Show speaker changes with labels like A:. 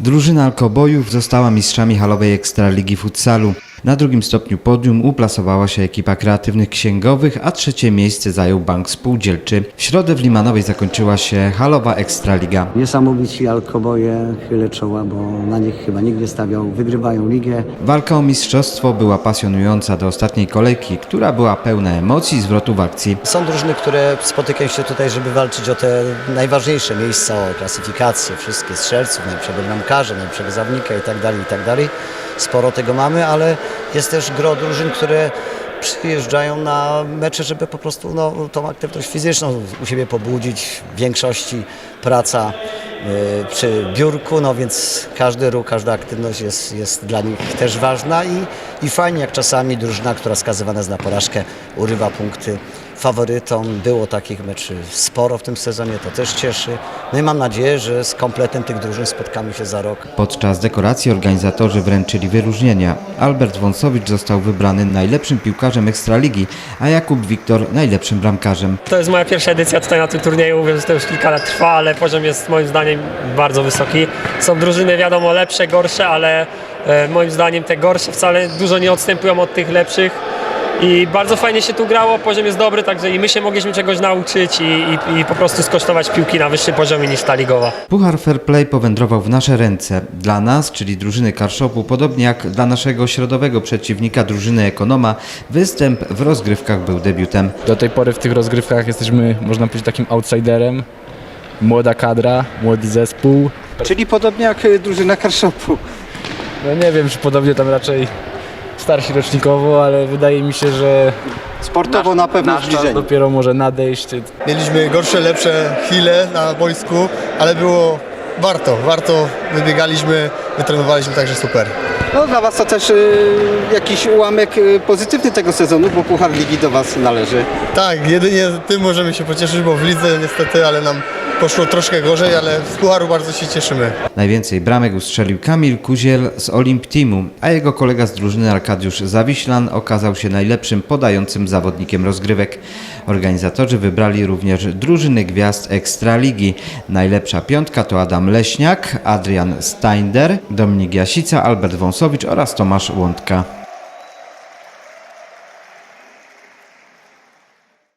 A: Drużyna Alkobojów została mistrzami halowej Ekstraligi Futsalu. Na drugim stopniu podium uplasowała się ekipa kreatywnych księgowych, a trzecie miejsce zajął Bank Spółdzielczy. W środę w Limanowej zakończyła się halowa Ekstraliga.
B: Niesamowici Alkoboje, chylę czoła, bo na nich chyba nikt nie stawiał, wygrywają ligę.
A: Walka o mistrzostwo była pasjonująca do ostatniej kolejki, która była pełna emocji i zwrotów akcji.
B: Są drużyny, które spotykają się tutaj, żeby walczyć o te najważniejsze miejsca, o klasyfikację, wszystkie strzelców, najlepszego bramkarza, najlepszego zawodnika itd. Sporo tego mamy, ale jest też gro drużyn, które przyjeżdżają na mecze, żeby po prostu tą aktywność fizyczną u siebie pobudzić. W większości praca przy biurku, więc każdy ruch, każda aktywność jest dla nich też ważna i fajnie, jak czasami drużyna, która skazywana jest na porażkę, urywa punkty faworytom. Było takich meczy sporo w tym sezonie, to też cieszy. No i mam nadzieję, że z kompletem tych drużyn spotkamy się za rok.
A: Podczas dekoracji organizatorzy wręczyli wyróżnienia. Albert Wąsowicz został wybrany najlepszym piłkarzem Ekstraligi, a Jakub Wiktor najlepszym bramkarzem.
C: To jest moja pierwsza edycja tutaj na tym turnieju, wiem, że to już kilka lat trwa, ale poziom jest moim zdaniem bardzo wysoki. Są drużyny wiadomo lepsze, gorsze, ale moim zdaniem te gorsze wcale dużo nie odstępują od tych lepszych. I bardzo fajnie się tu grało, poziom jest dobry, także i my się mogliśmy czegoś nauczyć i po prostu skosztować piłki na wyższym poziomie niż ta ligowa.
A: Puchar Fair Play powędrował w nasze ręce. Dla nas, czyli drużyny Karszopu, podobnie jak dla naszego środowego przeciwnika, drużyny Ekonoma, występ w rozgrywkach był debiutem.
D: Do tej pory w tych rozgrywkach jesteśmy, można powiedzieć, takim outsiderem. Młoda kadra, młody zespół.
E: Czyli podobnie jak drużyna Karszopu.
D: No nie wiem, czy podobnie tam raczej starsi rocznikowo, ale wydaje mi się, że
E: Sportowo na pewno
D: nasz czas
E: zbliżenie.
D: dopiero może nadejść.
F: Mieliśmy gorsze, lepsze chwile na boisku, ale było warto. Wybiegaliśmy, wytrenowaliśmy, także super.
E: No dla Was to też jakiś ułamek pozytywny tego sezonu, bo Puchar Ligi do Was należy.
F: Tak, jedynie tym możemy się pocieszyć, bo w lidze niestety, ale nam poszło troszkę gorzej, ale z Pucharu bardzo się cieszymy.
A: Najwięcej bramek ustrzelił Kamil Kuziel z Olimp Teamu, a jego kolega z drużyny Arkadiusz Zawiślan okazał się najlepszym podającym zawodnikiem rozgrywek. Organizatorzy wybrali również drużyny gwiazd Ekstraligi. Najlepsza piątka to Adam Leśniak, Adrian Steinder, Dominik Jasica, Albert Wąsowicz oraz Tomasz Łądka.